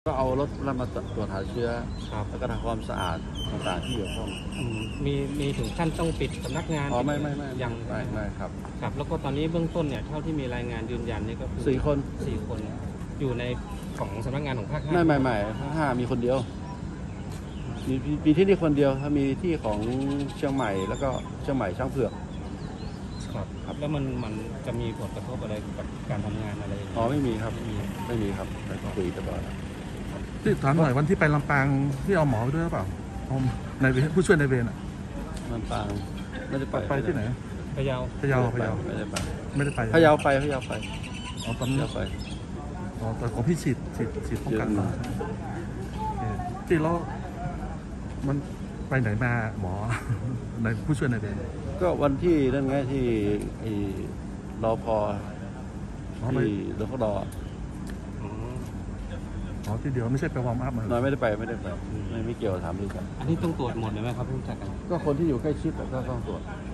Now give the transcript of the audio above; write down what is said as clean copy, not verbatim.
ก็เอารถแล้วมาตรวจหาเชื้อแล้วก็ทำความสะอาดต่างๆที่เกี่ยวข้องมีถึงขั้นต้องปิดสำนักงานไม่ยังไม่ครับครับแล้วก็ตอนนี้เบื้องต้นเนี่ยเท่าที่มีรายงานยืนยันนี่ก็คือ 4 คนอยู่ในของสำนักงานของภาค 5 ไม่ภาค 5มีคนเดียวมีที่นี่คนเดียวถ้ามีที่ของเชียงใหม่แล้วก็เชียงใหม่ช้างเผือกครับแล้วมันจะมีผลกระทบอะไรกับการทำงานอะไรไม่มีครับไม่มีครับไปคุยกันก่อนที่ถามหน่อยวันที่ไปลำปางที่เอาหมอไปด้วยหรือเปล่าในผู้ช่วยในเวรลำปางไม่ได้ไปที่ไหนพะเยาไม่ได้ไปพะเยาไปตอนนี้ไปแต่ของพี่ฉีดป้องกันมาที่แล้วมันไปไหนมาหมอในผู้ช่วยในเวรก็วันที่นั่นไงที่รอพอที่รพดที่เดียวไม่ใช่ไปวอร์มอัพมาไม่ได้ไปไม่เกี่ยวถามดูกันอันนี้ต้องตรวจหมดเลยไหมครับผู้จัดการก็คนที่อยู่ใกล้ชิดก็ต้องตรวจ